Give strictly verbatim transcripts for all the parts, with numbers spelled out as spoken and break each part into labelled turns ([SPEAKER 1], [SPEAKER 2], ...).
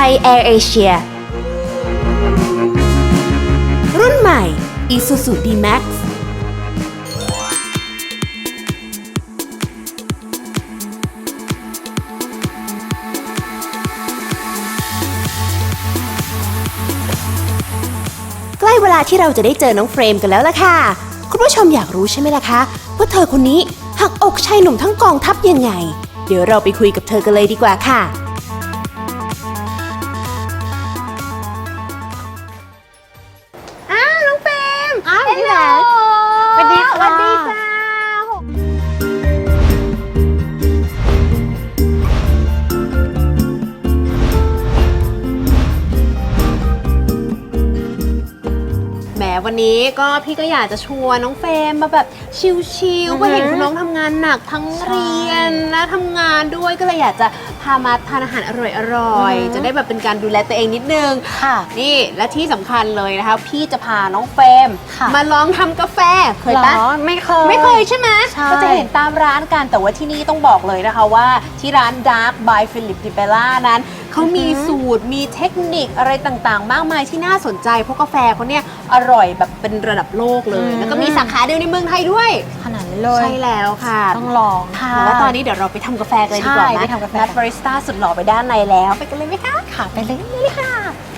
[SPEAKER 1] Air Asia รุ่นใหม่ Isuzu D-Maxใกล้เวลาที่เราจะได้เจอน้องเฟรมกันแล้วล่ะค่ะคุณผู้ชมอยากรู้ใช่ไหมล่ะคะว่าเธอคนนี้หักอกชายหนุ่มทั้งกองทัพยังไงเดี๋ยวเราไปคุยกับเธอกันเลยดีกว่าค่ะอ้าวน้องเฟรมอ้าวพี่แหวนสวัสดีค่ะสวัสดีจ้าแหมวันนี้ก็พี่ก็อยากจะชวนน้องเฟรมมาแบบชิลๆเพราะเห็นคุณน้องทำงานหนักทั้งเรียนและทำงานด้วยก็เลยอยากจะพามาทานอาหารอร่อยๆจะได้แบบเป็นการดูแลตัวเองนิดนึงค่ะนี่และที่สำคัญเลยนะคะพี่จะพาน้องเฟรมมาลองทำกาแฟเคยปะไม่เคยไม่เคยใช่ไหมก็จะเห็นตามร้านกันแต่ว่าที่นี่ต้องบอกเลยนะคะว่าที่ร้าน Dark by Philip Di Bella นั้นเขามีสูตรมีเทคนิคอะไรต่างๆมากมายที่น่าสนใจเพราะกาแฟเขาเนี่ยอร่อยแบบเป็นระดับโลกเลยแล้วก็มีสาขาเดียวในเมืองไทยด้วย
[SPEAKER 2] ขนาดนี้เลย
[SPEAKER 1] ใช่แล้วค่ะ
[SPEAKER 2] ต้องลองค่ะ
[SPEAKER 1] แล้วตอนนี้เดี๋ยวเราไปทำกาแฟกันเลยดีกว่านะ
[SPEAKER 2] ไปทำกาแฟ
[SPEAKER 1] นัดบาริสต้าสุดหล่อไปด้านในแล้วไปกันเลยไหมคะ
[SPEAKER 2] ค่ะไปเลยเลยค่ะ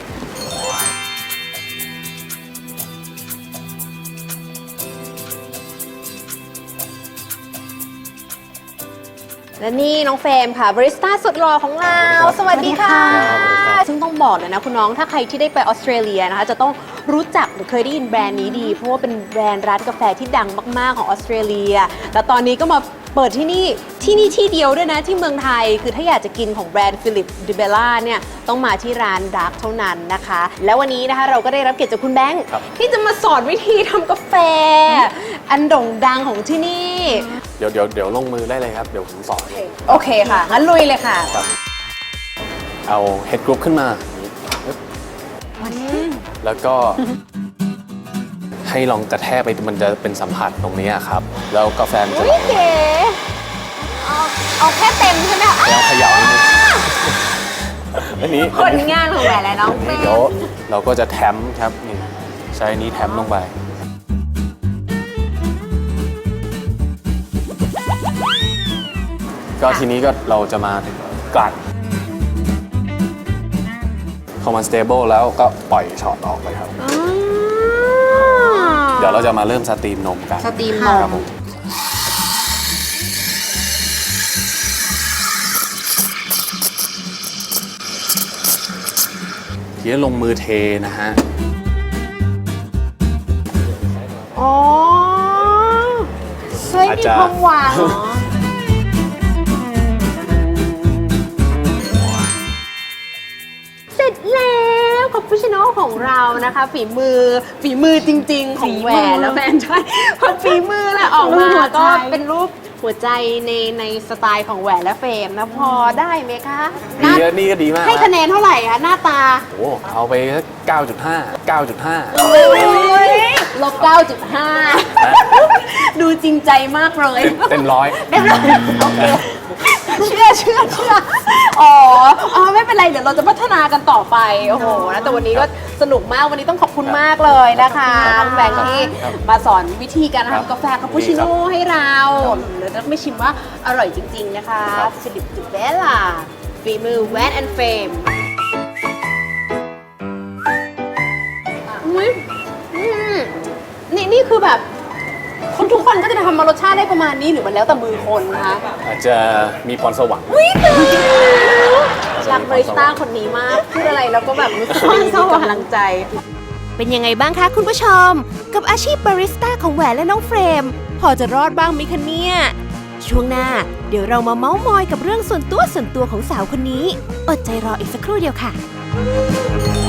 [SPEAKER 1] และนี่น้องเฟรมค่ะบาริสต้าสุดหล่อของเราสวัสดีค่ะซึ่งต้องบอกเลยนะคุณน้องถ้าใครที่ได้ไปออสเตรเลียนะคะจะต้องรู้จักหรือเคยได้ยินแบรนด์นี้ดีเพราะว่าเป็นแบรนด์ร้านกาแฟที่ดังมากๆของออสเตรเลียแล้วตอนนี้ก็มาเปิดที่นี่ที่นี่ที่เดียวด้วยนะที่เมืองไทยคือถ้าอยากจะกินของแบรนด์ Philip Di Bella เนี่ยต้องมาที่ร้าน Dark เท่านั้นนะคะแล้ววันนี้นะคะเราก็ได้รับเกียรติจากคุณแบงค์ที่จะมาสอนวิธีทำกาแฟอันโด่งดังของที่นี่
[SPEAKER 3] เดี๋ยวเดี๋ยวเดี๋ยวลงมือได้เลยครับเดี๋ยวผมสอน
[SPEAKER 1] โอเคค่ะงั้นลุยเลยค่ะ
[SPEAKER 3] เอาเฮดกรุ๊ปขึ้นมาแล้วก็ให้ลองกระแทกไปมันจะเป็นสัมผัสตรงนี้ครับแล้วกาแฟมันจะไหล
[SPEAKER 1] เอาเอาแค่เต็มใช่ไหมคะ
[SPEAKER 3] แล้วเขย่านิดนึงอันนี้
[SPEAKER 1] ผลงานของแหวนและน้องเฟรม
[SPEAKER 3] เดี๋ยวเราก็จะแถมครับนี่ใช้นี้แถมลงไปก็ทีนี้ก็เราจะมากลั่นพอมันสเตเบิลแล้วก็ปล่อยช็อตออกไปครับเดี๋ยวเราจะมาเริ่มสตรีมนมกัน
[SPEAKER 1] สตรีมนม
[SPEAKER 3] ทีนี้ลงมือเทนะฮะ
[SPEAKER 1] อ๋อเฮ้ยมีความหวานเสร็จแล้วคาปูชิโน่ของเรานะคะฝีมือฝีมือจริงๆของแหวนแล้วแฟนใช่พอฝีมือแล้วออกมาก็เป็นรูปหัวใจในในสไตล์ของแหวนและเฟรมนะพอได้ไหมคะ
[SPEAKER 3] ดีนี่ก็ดีมาก
[SPEAKER 1] ให้คะแนนเท่าไหร่คะหน้าตา
[SPEAKER 3] โอ้เอาไปสักเก้าจุดห้า เก้าจุดห้า
[SPEAKER 1] ลบ เก้าจุดห้า ดูจริงใจมากเลย
[SPEAKER 3] เต็มร้อย
[SPEAKER 1] เต็มร้อยโอเคเชื่อเชื่อเชื่ออ๋ออ๋อไม่เป็นไรเดี๋ยวเราจะพัฒนากันต่อไปโอ้โหนะแต่วันนี้ก็สนุกมากวันนี้ต้องขอบคุณมากเลยนะคะแบงค์ที่มาสอนวิธีการทำกาแฟคาปูชิโน่ให้เราเดี๋ยวต้องไม่ชิมว่าอร่อยจริงๆนะคะฟิลิป ดิเบลล่าฝีมือแวนแอนด์เฟรมนี่นี่คือแบบคนทุกคนก็จะทำมารสชาติได้ประมาณนี้หรือมันแล้วแต่มือคนคะ
[SPEAKER 3] อาจจะมีพรสวรรค์
[SPEAKER 1] วิตรักบาริสต้าคนนี้มากพูดอะไรแล้วก็แบบรู้สึกมีกำลังใจเป็นยังไงบ้างคะคุณผู้ชมกับอาชีพบาริสต้าของแหวนและน้องเฟรมพอจะรอดบ้างไหมคะเนี่ยช่วงหน้าเดี๋ยวเรามาเม้ามอยกับเรื่องส่วนตัวส่วนตัวของสาวคนนี้อดใจรออีกสักครู่เดียวค่ะ